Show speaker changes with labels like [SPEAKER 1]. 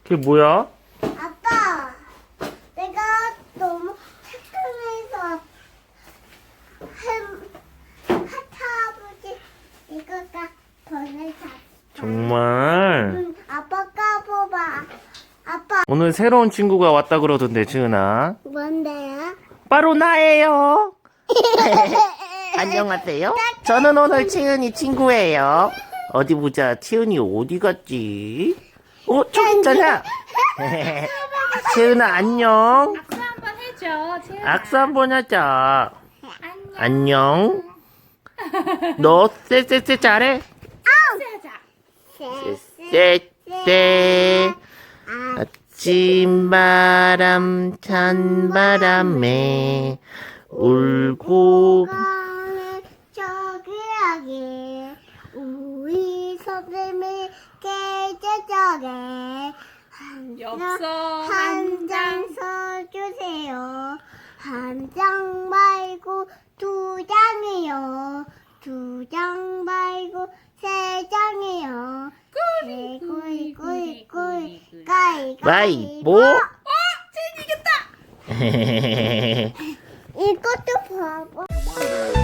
[SPEAKER 1] 그게 뭐야?
[SPEAKER 2] 아빠, 내가 너무 착각해서 할아버지 이거가 보내자.
[SPEAKER 1] 정말?
[SPEAKER 2] 응, 아빠 까봐봐. 아빠
[SPEAKER 1] 오늘 새로운 친구가 왔다 그러던데, 지은아.
[SPEAKER 2] 뭔데요?
[SPEAKER 1] 바로 나예요. 안녕하세요. 저는 오늘 채은이 친구예요. 어디 보자. 채은이 어디 갔지? 저기 있잖아. 채은아, 안녕.
[SPEAKER 3] 악수 한번 해줘. 채은아.
[SPEAKER 1] 악수 한번 하자.
[SPEAKER 3] 안녕.
[SPEAKER 1] 안녕. 너 쎄쎄쎄 잘해?
[SPEAKER 3] 하자.
[SPEAKER 1] 쎄쎄. 아침바람 찬바람에 울고
[SPEAKER 2] 저기하게 우리 선생님이 계절적에
[SPEAKER 3] 엽서
[SPEAKER 2] 한 장 써주세요. 한 장 말고 두 장이요. 두 장 말고 세 장이요. 꾸이꾸이꾸이
[SPEAKER 1] 와이보.
[SPEAKER 3] 채은이 이겼다.
[SPEAKER 2] 이것도 봐봐.